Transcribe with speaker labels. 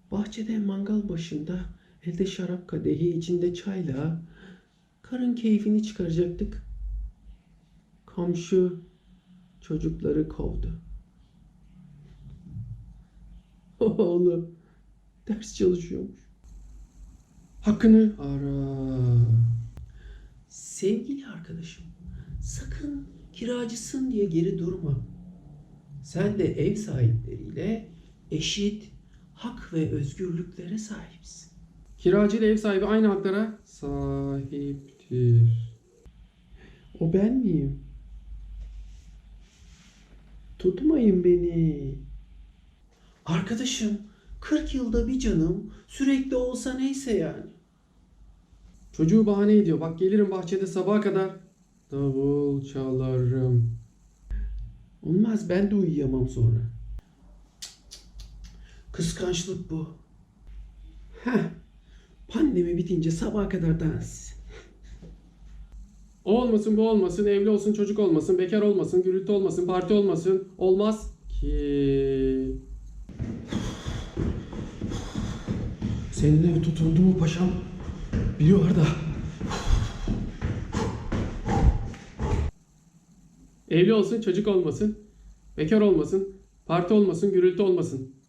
Speaker 1: Bahçede mangal başında, elde şarap kadehi, içinde çayla karın keyfini çıkaracaktık. Komşu çocukları kovdu. Oğlum ders çalışıyormuş. Hakkını ara. Sevgili arkadaşım, sakın kiracısın diye geri durma. Sen de ev sahipleriyle eşit hak ve özgürlüklere sahipsin.
Speaker 2: Kiracı ile ev sahibi aynı haklara sahiptir.
Speaker 1: O ben miyim? Tutmayın beni. Arkadaşım, 40 yılda bir canım, sürekli olsa neyse yani.
Speaker 2: Çocuğu bahane ediyor. Bak gelirim bahçede sabaha kadar davul çalarım.
Speaker 1: Olmaz, ben de uyuyamam sonra. Kıskançlık bu. Heh, pandemi bitince sabaha kadar dans.
Speaker 2: O olmasın, bu olmasın, evli olsun, çocuk olmasın, bekar olmasın, gürültü olmasın, parti olmasın. Olmaz ki.
Speaker 1: Senin ev tutuldu mu paşam? Biri var da.
Speaker 2: Evli olsun, çocuk olmasın, bekar olmasın, parti olmasın, gürültü olmasın.